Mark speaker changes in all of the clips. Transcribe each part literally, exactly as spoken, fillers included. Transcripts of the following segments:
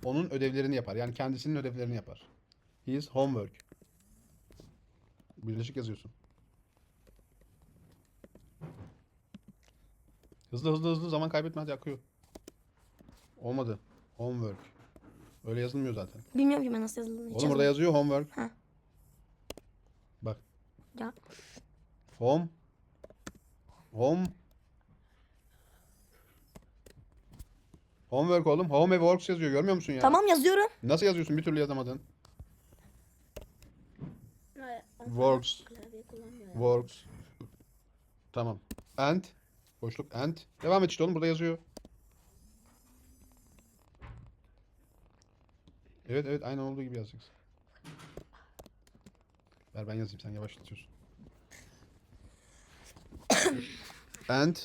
Speaker 1: onun ödevlerini yapar. Yani kendisinin ödevlerini yapar. His homework. Birleşik yazıyorsun. Hızlı hızlı hızlı zaman kaybetme hadi akıyor. Olmadı. Homework. Öyle yazılmıyor zaten.
Speaker 2: Bilmiyorum ki ben nasıl yazıldığını. hiç
Speaker 1: Oğlum orada
Speaker 2: yazmadım.
Speaker 1: yazıyor homework.
Speaker 2: Ha.
Speaker 1: Bak.
Speaker 2: Ya.
Speaker 1: Home. Home. Homework oğlum. Home ve works yazıyor. Görmüyor musun ya?
Speaker 2: Tamam yazıyorum.
Speaker 1: Nasıl yazıyorsun? Bir türlü yazamadın. Works.
Speaker 3: Klavye kullanmıyor.
Speaker 1: Works. Tamam. And. Boşluk and. Devam et işte oğlum. Burada yazıyor. Evet evet. Aynen olduğu gibi yazacaksın. Ver ben yazayım. Sen yavaşlatıyorsun. And.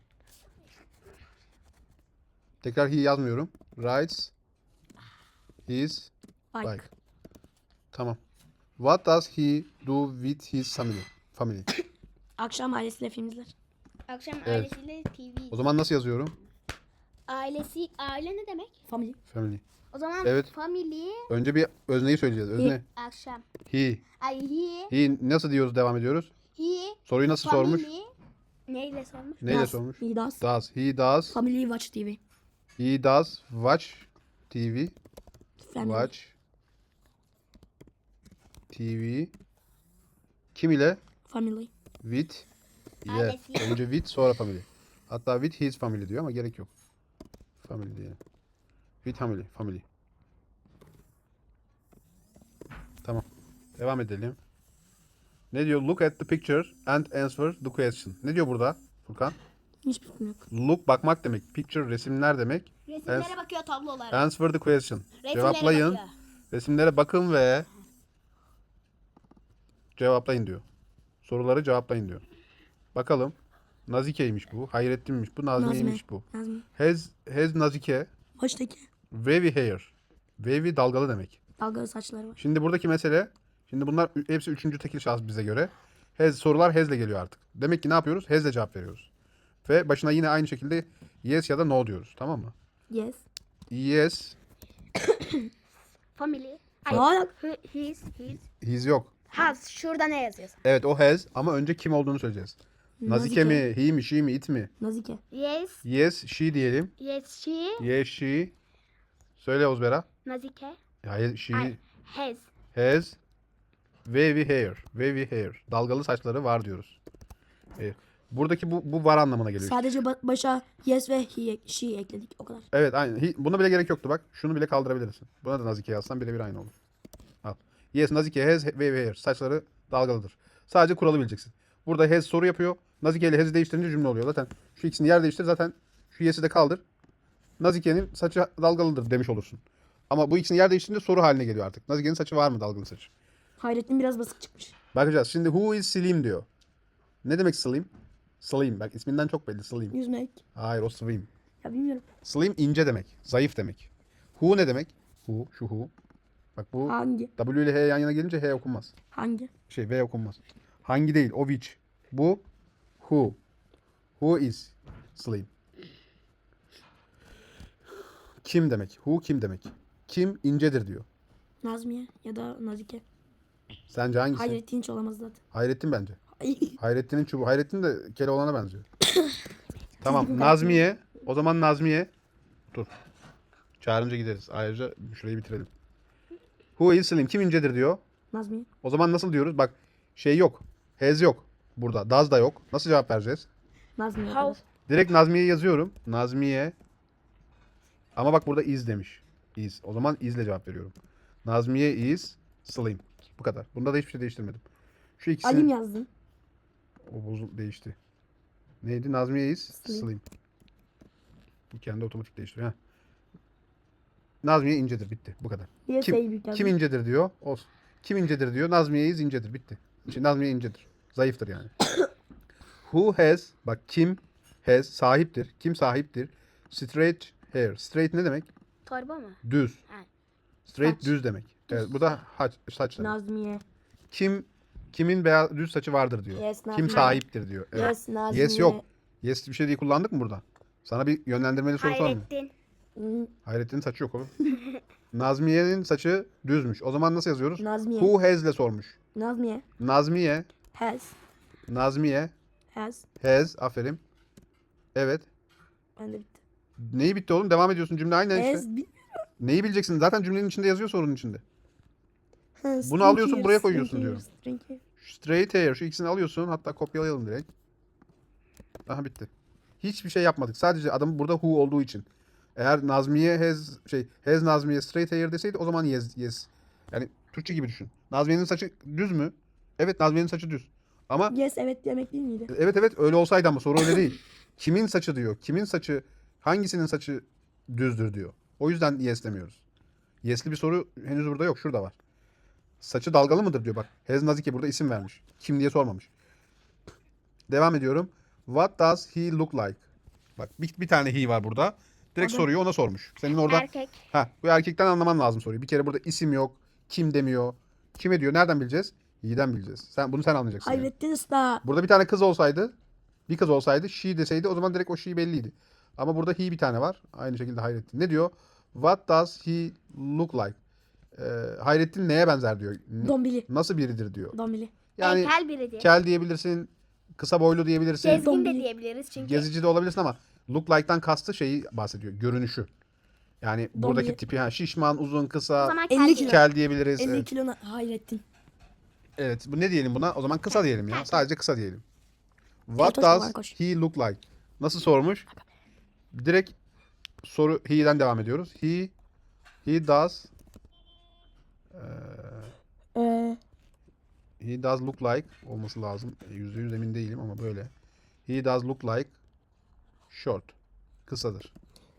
Speaker 1: Tekrar he yazmıyorum. Writes his
Speaker 2: Bike.
Speaker 1: bike. Tamam. What does he do with his family? Family.
Speaker 2: Akşam ailesiyle film izler.
Speaker 3: Akşam
Speaker 1: Evet.
Speaker 3: ailesiyle T V.
Speaker 1: O zaman nasıl yazıyorum?
Speaker 3: Ailesi, aile ne demek?
Speaker 2: Family.
Speaker 1: Family.
Speaker 3: O zaman
Speaker 1: Evet.
Speaker 3: family
Speaker 1: Önce bir özneyi söyleyeceğiz. Özne.
Speaker 3: akşam.
Speaker 1: He.
Speaker 3: Ay he,
Speaker 1: He nasıl diyoruz devam ediyoruz?
Speaker 3: he,
Speaker 1: Soruyu nasıl sormuş?
Speaker 3: family. Neyle sormuş?
Speaker 1: Neyle
Speaker 2: Does.
Speaker 1: sormuş?
Speaker 2: He does.
Speaker 1: Does. He does.
Speaker 2: Family watch T V.
Speaker 1: He does watch T V.
Speaker 2: Family.
Speaker 1: Watch T V. Kim ile?
Speaker 2: Family.
Speaker 1: With. Yeah.
Speaker 3: Ailesi.
Speaker 1: Önce with sonra family. Hatta with his family diyor ama gerek yok. Family diyelim. With family. Family. Tamam. Devam edelim. Ne diyor? Look at the picture and answer the question. Ne diyor burada Furkan?
Speaker 2: Hiçbir fikrim yok.
Speaker 1: Look bakmak demek. Picture resimler demek.
Speaker 3: Resimlere
Speaker 1: Ans-
Speaker 3: bakıyor tablolara.
Speaker 1: Answer the question.
Speaker 3: Resimlere
Speaker 1: Cevaplayın.
Speaker 3: bakıyor.
Speaker 1: Resimlere bakın ve cevaplayın diyor. Soruları cevaplayın diyor. Bakalım. Nazike'ymiş bu. Hayrettin'miş bu. Nazmiye'ymiş bu.
Speaker 2: Nazmi.
Speaker 1: Has, has Nazike
Speaker 2: Baştaki.
Speaker 1: wavy hair. Wavy dalgalı demek.
Speaker 2: Dalgalı saçları var.
Speaker 1: Şimdi buradaki mesele, şimdi bunlar ü- hepsi üçüncü tekil şahıs bize göre. Has, sorular has'le geliyor artık. Demek ki ne yapıyoruz? Has'le cevap veriyoruz. Ve başına yine aynı şekilde yes ya da no diyoruz. Tamam mı?
Speaker 2: Yes.
Speaker 1: Yes,
Speaker 3: Family.
Speaker 2: Ne alaka?
Speaker 3: Ay, his, his.
Speaker 1: his yok.
Speaker 3: Has. Şurada ne yazıyorsun?
Speaker 1: Evet o has ama önce kim olduğunu söyleyeceğiz. Nazike, mi, he mi, she mi, it mi?
Speaker 2: Nazike.
Speaker 3: Yes.
Speaker 1: Yes, she diyelim.
Speaker 3: Yes, she.
Speaker 1: Yes, she. Söyle Ozbera.
Speaker 3: Nazike.
Speaker 1: Hayır, she
Speaker 3: Ay, has.
Speaker 1: has wavy hair. Wavy hair. Dalgalı saçları var diyoruz. Evet. Buradaki bu, bu var anlamına geliyor.
Speaker 2: Sadece ba- başa yes ve he, she ekledik. O kadar.
Speaker 1: Evet aynen. Hi- Buna bile gerek yoktu bak. Şunu bile kaldırabilirsin. Buna da Nazike yazsan birebir aynı olur. Al. Yes Nazike has wavy hair. Saçları dalgalıdır. Sadece kuralı bileceksin. Burada has soru yapıyor. Nazike ile has'i değiştirince cümle oluyor. Zaten şu ikisini yer değiştir. Zaten şu yes'i de kaldır. Nazike'nin saçı dalgalıdır demiş olursun. Ama bu ikisini yer değiştirince soru haline geliyor artık. Nazike'nin saçı var mı dalgalı saçı?
Speaker 2: Hayrettin biraz basık çıkmış.
Speaker 1: Bakacağız. Şimdi who is slim diyor. Ne demek slim? Slim. Bak isminden çok belli. Slim.
Speaker 2: Yüzmek.
Speaker 1: Hayır o slim.
Speaker 2: Ya bilmiyorum.
Speaker 1: Slim ince demek. Zayıf demek. Who ne demek? Who. Şu who. Bak bu
Speaker 2: Hangi?
Speaker 1: W ile H yan yana gelince H okunmaz.
Speaker 2: Hangi?
Speaker 1: Şey V okunmaz. Hangi değil. O which. Bu who. Who is slim. Kim demek? Who kim demek? Kim incedir diyor.
Speaker 2: Nazmiye ya da Nazike.
Speaker 1: Sence hangisi?
Speaker 2: Hayrettin hiç olamaz zaten.
Speaker 1: Hayrettin bence.
Speaker 2: Ay.
Speaker 1: Hayrettin'in çubuğu. Hayrettin de Keloğlan'a benziyor. Tamam. Nazmiye. O zaman Nazmiye. Dur. Çağırınca gideriz. Ayrıca şurayı bitirelim. Who is slim? Kim incedir diyor.
Speaker 2: Nazmiye.
Speaker 1: O zaman nasıl diyoruz? Bak şey yok. Has yok. Burada. Does da yok. Nasıl cevap vereceğiz?
Speaker 2: Nazmiye.
Speaker 3: How?
Speaker 2: kadar.
Speaker 1: Direkt Nazmiye yazıyorum. Nazmiye. Ama bak burada is demiş. Is. O zaman is'le cevap veriyorum. Nazmiye is slim. Bu kadar. Bunda da hiçbir şey değiştirmedim. Şu ikisini...
Speaker 2: Alim yazdın.
Speaker 1: O bozul değişti. Neydi? Nazmiye is
Speaker 2: Slim.
Speaker 1: slim. Bu kendi otomatik değiştiriyor. Ha. Nazmiye incedir. Bitti. Bu kadar.
Speaker 2: Niye
Speaker 1: Kim,
Speaker 2: S'yi büyük yazdın?
Speaker 1: kim incedir diyor. Olsun. Kim incedir diyor. Nazmiye is incedir. Bitti. Şimdi Nazmiye incedir. Zayıftır yani. Who has, bak kim has, sahiptir. Kim sahiptir? Straight hair. Straight ne demek?
Speaker 3: Torba mı?
Speaker 1: Düz.
Speaker 3: Ha.
Speaker 1: Straight
Speaker 2: Saç.
Speaker 1: düz demek. Evet, bu da haç, saç demek.
Speaker 2: Nazmiye.
Speaker 1: Kim kimin beyaz düz saçı vardır diyor.
Speaker 2: Yes,
Speaker 1: Kim
Speaker 2: Nazmiye.
Speaker 1: sahiptir diyor. Evet.
Speaker 2: Yes, Nazmiye.
Speaker 1: Yes yok. Yes bir şey değil kullandık mı burada? Sana bir yönlendirmeli soru sormuyor.
Speaker 3: Hayrettin.
Speaker 2: Hmm,
Speaker 1: Hayrettin'in saçı yok oğlum. Nazmiye'nin saçı düzmüş. O zaman nasıl yazıyoruz?
Speaker 2: Nazmiye.
Speaker 1: Who has'le sormuş.
Speaker 2: Nazmiye.
Speaker 1: Nazmiye,
Speaker 2: Has.
Speaker 1: Nazmiye,
Speaker 2: Has.
Speaker 1: has, aferin. Evet.
Speaker 2: Ben de bitti.
Speaker 1: Neyi bitti oğlum? Devam ediyorsun cümle aynen işte.
Speaker 2: Has. bi-
Speaker 1: Neyi bileceksin? Zaten cümlenin içinde yazıyor sorunun içinde.
Speaker 2: Ha,
Speaker 1: Bunu
Speaker 2: string
Speaker 1: alıyorsun,
Speaker 2: here,
Speaker 1: buraya
Speaker 2: string
Speaker 1: koyuyorsun
Speaker 2: here,
Speaker 1: diyorum.
Speaker 2: string here.
Speaker 1: Straight hair. Şu ikisini alıyorsun. Hatta kopyalayalım direkt. Aha bitti. Hiçbir şey yapmadık. Sadece adamın burada who olduğu için. Eğer Nazmiye has şey has Nazmiye straight hair deseydi o zaman yes yes. Yani Türkçe gibi düşün. Nazmiye'nin saçı düz mü? Evet, Nazmiye'nin saçı düz. Ama
Speaker 2: Yes evet demek değil miydi?
Speaker 1: evet evet öyle olsaydı ama soru öyle değil. Kimin saçı diyor. Kimin saçı hangisinin saçı düzdür diyor. O yüzden yes demiyoruz. Yes'li bir soru henüz burada yok. Şurada var. Saçı dalgalı mıdır diyor bak. Hez Nazike burada isim vermiş. Kim diye sormamış. Devam ediyorum. What does he look like? Bak bir, bir tane he var burada. Direkt
Speaker 2: Adam.
Speaker 1: soruyu ona sormuş. Senin orada
Speaker 3: Erkek.
Speaker 1: ha bu erkekten anlaman lazım soruyu. Bir kere burada isim yok. Kim demiyor. Kime diyor? Nereden bileceğiz? He'den bileceğiz. Sen bunu sen anlayacaksın. yani.
Speaker 2: Hayrettin Usta.
Speaker 1: Burada bir tane kız olsaydı, bir kız olsaydı she deseydi o zaman direkt o she belliydi. Ama burada he bir tane var. Aynı şekilde Hayrettin. Ne diyor? What does he look like? Ee, Hayrettin neye benzer diyor. Ne-
Speaker 2: Dombili.
Speaker 1: Nasıl biridir diyor.
Speaker 2: Dombili.
Speaker 1: Yani
Speaker 3: Heykel biridir.
Speaker 1: kel diyebilirsin, kısa boylu diyebilirsin,
Speaker 3: Gezgin de
Speaker 2: Dombili.
Speaker 3: diyebiliriz çünkü.
Speaker 1: gezici de olabilirsin ama look like'tan kastı şeyi bahsediyor. Görünüşü. Yani buradaki
Speaker 2: Dombili.
Speaker 1: tipi ha, şişman, uzun,
Speaker 3: O
Speaker 1: kısa,
Speaker 3: zaman
Speaker 2: elli
Speaker 3: kel
Speaker 2: kilo.
Speaker 3: diyelim.
Speaker 1: kel diyebiliriz.
Speaker 2: elli
Speaker 1: Evet.
Speaker 2: kilona Hayrettin.
Speaker 1: Evet. Bu ne diyelim buna? O zaman kısa diyelim ya. Sadece kısa diyelim. What
Speaker 2: Keltoş mu
Speaker 1: does
Speaker 2: var, koş.
Speaker 1: he look like? Nasıl sormuş? Direkt soru he'den devam ediyoruz. He he does
Speaker 2: Ee,
Speaker 1: he does look like olması lazım. Yüzde yüz emin değilim ama böyle. He does look like short. Kısadır.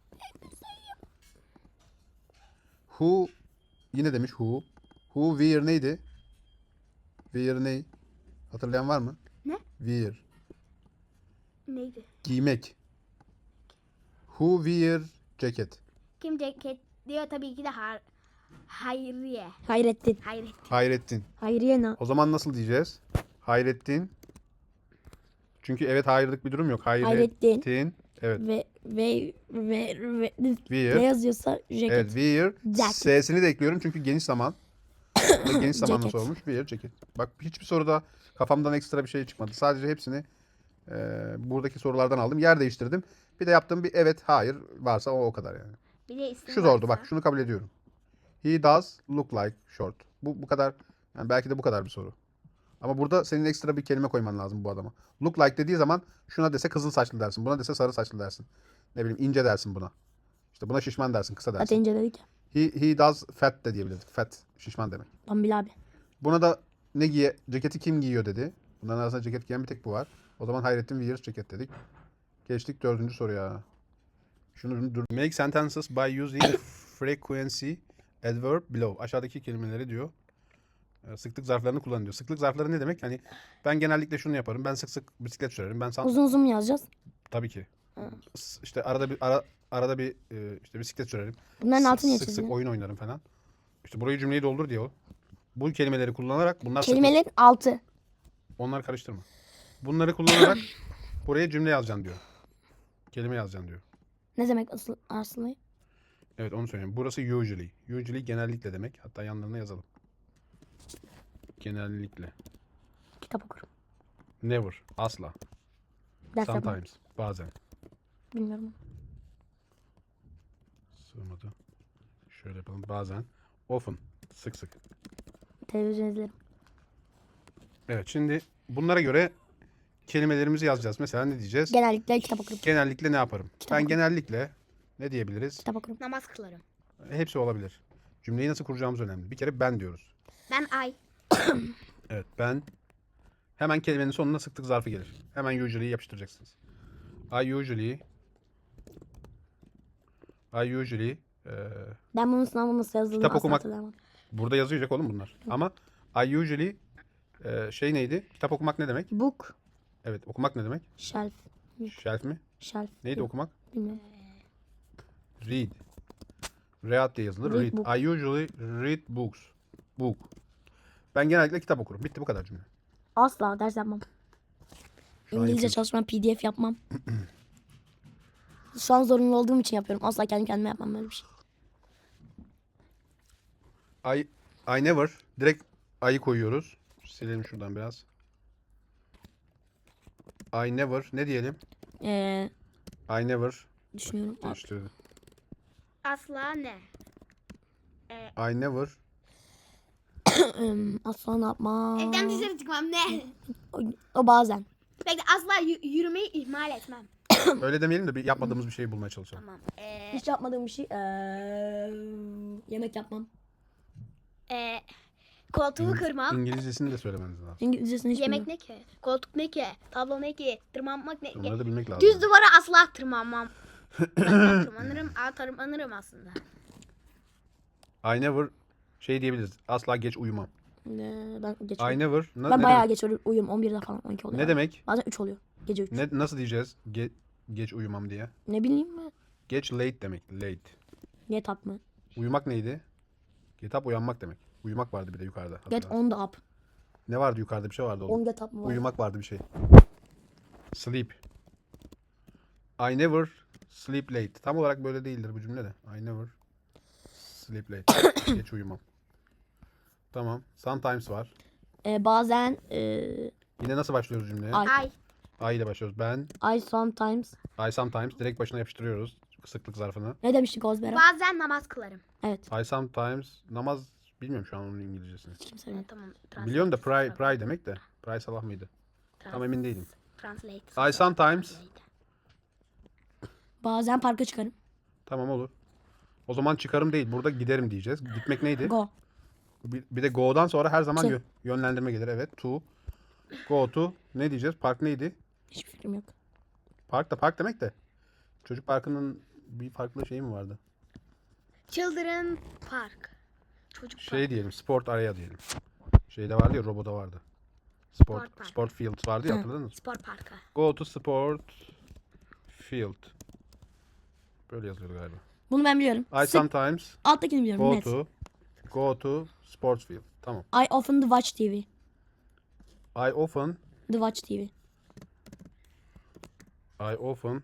Speaker 1: Who yine demiş who. Who wear neydi? Wear ne? Hatırlayan var mı?
Speaker 3: Ne?
Speaker 1: Wear.
Speaker 3: Neydi?
Speaker 1: Giymek. Who wear jacket?
Speaker 3: Kim ceket diyor tabii ki de har Hayriye.
Speaker 2: Hayrettin.
Speaker 3: Hayrettin.
Speaker 1: Hayrettin.
Speaker 2: Hayriye ne?
Speaker 1: O zaman nasıl diyeceğiz? Hayrettin. Çünkü evet hayırlık bir durum yok. Hayrettin.
Speaker 2: Hayrettin.
Speaker 1: Evet.
Speaker 2: Ve ve ve ve ne
Speaker 1: Wear.
Speaker 2: yazıyorsa ceket.
Speaker 1: Evet wear.
Speaker 2: Jacket.
Speaker 1: S'sini de ekliyorum çünkü geniş zaman. Ve geniş zamanla
Speaker 2: Ceket.
Speaker 1: sormuş. Wear jacket. Bak hiçbir soruda kafamdan ekstra bir şey çıkmadı. Sadece hepsini e, buradaki sorulardan aldım. Yer değiştirdim. Bir de yaptığım bir evet hayır varsa o o kadar yani.
Speaker 3: Bir de isim
Speaker 1: Şu zordu
Speaker 3: varsa.
Speaker 1: bak şunu kabul ediyorum. He does look like short. Bu bu kadar yani belki de bu kadar bir soru. Ama burada senin ekstra bir kelime koyman lazım bu adama. Look like dediği zaman şuna dese kızıl saçlı dersin. Buna dese sarı saçlı dersin. Ne bileyim ince dersin buna. İşte buna şişman dersin, kısa dersin.
Speaker 2: Zaten ince dedik ya.
Speaker 1: He, he does fat de diyebilirdik. Fat, şişman demek.
Speaker 2: Dombili abi.
Speaker 1: Buna da ne giye, ceketi kim giyiyor dedi. Bunların arasında ceket giyen bir tek bu var. O zaman Hayrettin wears ceket dedik. Geçtik dördüncü soruya. Şunu şunu dur. Make sentences by using frequency adverb below. Aşağıdaki kelimeleri diyor. e, Sıklık zarflarını kullan diyor. Sıklık zarfları ne demek? Hani ben genellikle şunu yaparım. Ben sık sık bisiklet sürerim. Ben san-
Speaker 2: Uzun uzun mu yazacağız?
Speaker 1: tabii ki. S- İşte arada bir ara, arada bir e, işte bisiklet sürerim.
Speaker 2: Bunların
Speaker 1: Sık-
Speaker 2: altını niye
Speaker 1: Sık sık
Speaker 2: çizdin?
Speaker 1: oyun oynarım falan. İşte burayı cümleyi doldur diyor. Bu kelimeleri kullanarak bunlar sıklık-
Speaker 2: Kelimelerin altı.
Speaker 1: Onları karıştırma. Bunları kullanarak buraya cümle yazacaksın diyor. Kelime yazacaksın diyor.
Speaker 2: Ne demek asıl aslında?
Speaker 1: Evet onu söyleyeyim. Burası usually. Usually genellikle demek. Hatta yanlarına yazalım. Genellikle.
Speaker 2: Kitap okurum.
Speaker 1: Never. Asla.
Speaker 2: Ders yapmam.
Speaker 1: Sometimes. Bazen.
Speaker 2: Bilmiyorum.
Speaker 1: Sığmadı. Şöyle yapalım. Bazen. Often. Sık sık.
Speaker 2: Televizyon izlerim.
Speaker 1: Evet şimdi bunlara göre kelimelerimizi yazacağız. Mesela ne diyeceğiz?
Speaker 2: Genellikle kitap okurum.
Speaker 1: Genellikle ne yaparım?
Speaker 2: Kitap
Speaker 1: ben
Speaker 2: okurum.
Speaker 1: genellikle ne diyebiliriz?
Speaker 2: Kitap okurum.
Speaker 3: Namaz kılarım.
Speaker 1: Hepsi olabilir. Cümleyi nasıl kuracağımız önemli. Bir kere ben diyoruz.
Speaker 3: Ben ay.
Speaker 1: Evet ben hemen kelimenin sonuna sıklık zarfı gelir. Hemen usually'yi yapıştıracaksınız. I usually I usually e,
Speaker 2: Ben bunun sınavı nasıl yazıldığını
Speaker 1: Kitap
Speaker 2: asla
Speaker 1: okumak-
Speaker 2: hatırlamam.
Speaker 1: burada yazıyacak oğlum bunlar. Ama I usually e, şey neydi? Kitap okumak ne demek?
Speaker 2: Book.
Speaker 1: Evet okumak ne demek?
Speaker 2: Shelf.
Speaker 1: Shelf mi?
Speaker 2: Shelf.
Speaker 1: Neydi
Speaker 2: Yok,
Speaker 1: okumak?
Speaker 2: bilmiyorum.
Speaker 1: Read. Read diye yazılır.
Speaker 2: Read
Speaker 1: Read.
Speaker 2: book.
Speaker 1: I usually read books. Book. Ben genellikle kitap okurum. Bitti bu kadar cümle.
Speaker 2: Asla ders yapmam.
Speaker 1: Şu an
Speaker 2: İngilizce
Speaker 1: yapıyorum.
Speaker 2: çalışmam, P D F yapmam. Şu an zorunlu olduğum için yapıyorum. Asla kendi kendime yapmam böyle bir şey.
Speaker 1: I, I never. Direkt I'yı koyuyoruz. Silelim şuradan biraz. I never. Ne diyelim?
Speaker 2: Ee,
Speaker 1: I never.
Speaker 2: düşünüyorum. Al.
Speaker 1: Değiştirdim.
Speaker 3: Asla ne?
Speaker 1: I never.
Speaker 2: Im, asla ne yapmam?
Speaker 3: Evden dışarı çıkmam ne?
Speaker 2: O, o bazen.
Speaker 3: Bekle asla y- yürümeyi ihmal etmem.
Speaker 1: Öyle demeyelim de bir yapmadığımız bir şeyi bulmaya çalışalım.
Speaker 3: Tamam. Ee,
Speaker 2: Hiç yapmadığım bir şey. Ee, yemek yapmam.
Speaker 3: e, koltuğu
Speaker 1: İng-
Speaker 3: kırmam.
Speaker 1: İngilizcesini de söylemeniz lazım.
Speaker 2: İngilizcesini hiç
Speaker 3: Yemek
Speaker 2: bilmiyorum.
Speaker 3: ne ki? Koltuk ne ki? Tablo ne ki? Tırmanmak ne ki?
Speaker 1: Onları da bilmek lazım.
Speaker 3: Düz duvara asla tırmanmam. Asla tırmanırım, aa, tırmanırım aslında.
Speaker 1: I never şey diyebiliriz. Asla geç uyumam.
Speaker 2: Ee, ben geç
Speaker 1: I
Speaker 2: uyuyorum.
Speaker 1: never. Na-
Speaker 2: Ben
Speaker 1: ne
Speaker 2: bayağı
Speaker 1: demek?
Speaker 2: geç uyu- uyuyorum. on birde falan on iki oluyor.
Speaker 1: Ne demek?
Speaker 2: Bazen üç oluyor. Gece üç. Ne,
Speaker 1: Ne, nasıl diyeceğiz? Ge- geç uyumam diye.
Speaker 2: bileyim mi?
Speaker 1: Geç late demek. Late.
Speaker 2: Get up mı?
Speaker 1: Uyumak neydi? Get up uyanmak demek. Uyumak vardı bir de yukarıda.
Speaker 2: Get
Speaker 1: hatırlarsın.
Speaker 2: on the up.
Speaker 1: Ne vardı yukarıda bir şey vardı oğlum.
Speaker 2: On get up mı var?
Speaker 1: Uyumak vardı bir şey. Sleep. I never sleep late. Tam olarak böyle değildir bu cümle de. I never sleep late. Geç uyumam. Tamam. Sometimes var.
Speaker 2: Ee, bazen ee,
Speaker 1: Yine nasıl başlıyoruz cümleye?
Speaker 2: Ay.
Speaker 3: Ay,
Speaker 1: I ile başlıyoruz. Ben,
Speaker 2: I sometimes.
Speaker 1: I sometimes direkt başına yapıştırıyoruz. Sıklık zarfını.
Speaker 2: Ne demiştik Ozber'a?
Speaker 3: bazen namaz kılarım.
Speaker 2: Evet.
Speaker 1: I sometimes namaz bilmiyorum şu an onun İngilizcesini.
Speaker 2: Hiç kimse bilmiyor.
Speaker 3: Tamam.
Speaker 1: Biliyorum da pray, pray demek de. Pray sabah mıydı? Tam emin değilim.
Speaker 3: Translate.
Speaker 1: I sometimes.
Speaker 2: Bazen parka çıkarım.
Speaker 1: Tamam olur. O zaman çıkarım değil. Burada giderim diyeceğiz. Gitmek neydi?
Speaker 2: Go.
Speaker 1: Bir, bir de go'dan sonra her zaman
Speaker 2: To.
Speaker 1: yö- yönlendirme gelir. Evet. To. Go to. Ne diyeceğiz? Park neydi?
Speaker 2: Hiçbir fikrim yok.
Speaker 1: Park da park demek de. Çocuk parkının bir farklı şeyi mi vardı?
Speaker 3: Children Park. Çocuk
Speaker 1: Şey
Speaker 3: park.
Speaker 1: diyelim. Sport area diyelim. Şeyde vardı ya roboda vardı. Sport,
Speaker 3: Sport park.
Speaker 1: sport field vardı ya
Speaker 2: Hı.
Speaker 1: hatırladınız mı?
Speaker 3: Spor parkı.
Speaker 1: Go to sport field. Böyle yazıyordu galiba.
Speaker 2: Bunu ben biliyorum.
Speaker 1: I
Speaker 2: Sık,
Speaker 1: sometimes
Speaker 2: alttakini biliyorum.
Speaker 1: go
Speaker 2: Net.
Speaker 1: to go to sports field. Tamam.
Speaker 2: I often watch T V.
Speaker 1: I often
Speaker 2: The Watch T V.
Speaker 1: I often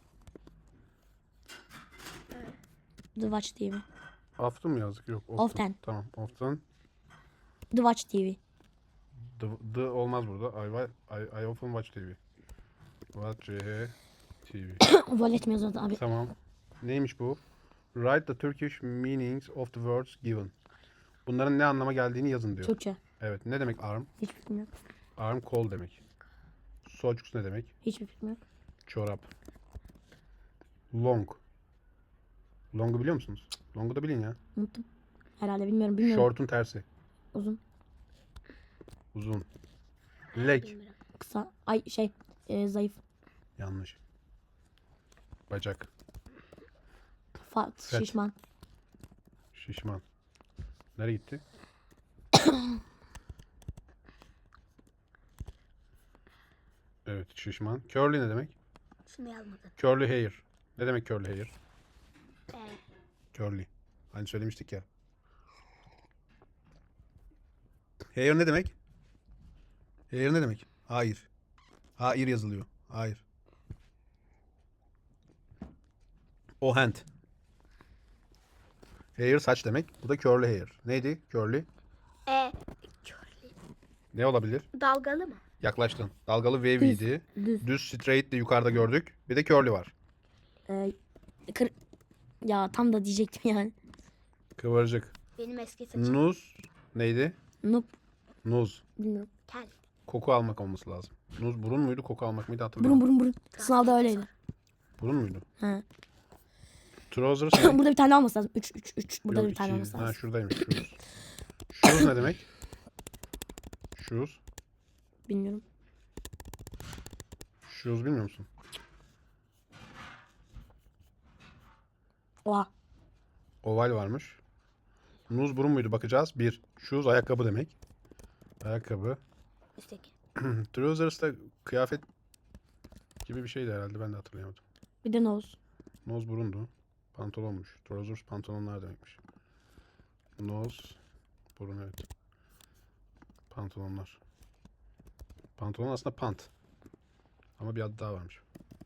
Speaker 2: The Watch T V.
Speaker 1: often mı yazdık? Yok.
Speaker 2: Often.
Speaker 1: Tamam. Often.
Speaker 2: The Watch T V.
Speaker 1: The, the olmaz burada. I, wa- I, I often watch T V. Watch T V.
Speaker 2: Volet mi yazıyordu abi?
Speaker 1: Tamam. Neymiş bu? Write the Turkish meanings of the words given. Bunların ne anlama geldiğini yazın diyor.
Speaker 2: Türkçe.
Speaker 1: Evet. Ne demek arm?
Speaker 2: Hiçbir fikrim yok.
Speaker 1: Arm kol demek. Socks ne demek?
Speaker 2: Hiçbir fikrim yok.
Speaker 1: Çorap. Long. Long'u biliyor musunuz? Long'u da bilin ya.
Speaker 2: Unuttum. Herhalde bilmiyorum. Bilmiyorum.
Speaker 1: Short'un tersi.
Speaker 2: Uzun.
Speaker 1: Uzun. Leg.
Speaker 3: Bilmiyorum.
Speaker 2: Kısa. Ay şey. e, zayıf.
Speaker 1: Yanlış. Bacak.
Speaker 2: Fat.
Speaker 1: Fat.
Speaker 2: Şişman.
Speaker 1: Şişman. Nereye gitti? Evet, şişman. Curly ne demek?
Speaker 3: Şunu yazmadın.
Speaker 1: Curly hair. Ne demek curly hair?
Speaker 3: Ee,
Speaker 1: Curly. Hani söylemiştik ya. Hair ne demek? Hair ne demek? Hayır. Hayır yazılıyor. Hayır. O hand. Hair saç demek. Bu da curly hair. Neydi? Curly.
Speaker 3: e,
Speaker 1: Ne olabilir?
Speaker 3: dalgalı mı?
Speaker 1: Yaklaştın. Dalgalı wavy'ydi.
Speaker 2: Düz.
Speaker 1: Düz straight de yukarıda gördük. Bir de curly var.
Speaker 2: E, kır... Ya tam da diyecektim yani.
Speaker 1: Kıvırcık.
Speaker 3: Benim eski saçım.
Speaker 1: Nuz neydi?
Speaker 2: Nope.
Speaker 1: Nuz.
Speaker 2: Bilmiyorum.
Speaker 3: Kel.
Speaker 1: Koku almak olması lazım. Nuz burun muydu? Koku almak mıydı hatırlıyorum.
Speaker 2: Burun burun burun. Sınavda öyleydi.
Speaker 1: Burun muydu?
Speaker 2: Ha.
Speaker 1: Trousers ne?
Speaker 2: Burada bir tane olması lazım. üç üç üç. Burada
Speaker 1: Yok,
Speaker 2: bir tane
Speaker 1: iki.
Speaker 2: olması
Speaker 1: Ha
Speaker 2: lazım.
Speaker 1: şuradaymış. Shoes. Shoes ne demek? Shoes.
Speaker 2: Bilmiyorum.
Speaker 1: Shoes bilmiyor musun?
Speaker 2: Oha.
Speaker 1: Oval varmış. Nuz burun muydu? Bakacağız. Bir. Shoes ayakkabı demek. Ayakkabı.
Speaker 3: Üstteki.
Speaker 1: Trousers da kıyafet gibi bir şeydi herhalde. Ben de hatırlayamadım.
Speaker 2: Bir de nose.
Speaker 1: Nose burundu. Pantolonmuş. Trousers pantolonlar demekmiş. Nose burun evet. Pantolonlar. Pantolon aslında pant. Ama bir adı daha varmış.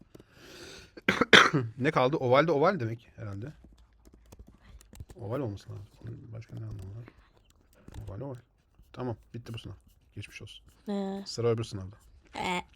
Speaker 1: Ne kaldı? Oval de oval demek herhalde. Oval olması lazım. Başka ne anlamı var? Noel Noel. Tamam bitti bu sınav. Geçmiş olsun.
Speaker 2: Ee,
Speaker 1: Sıra öbür sınavda.
Speaker 2: e,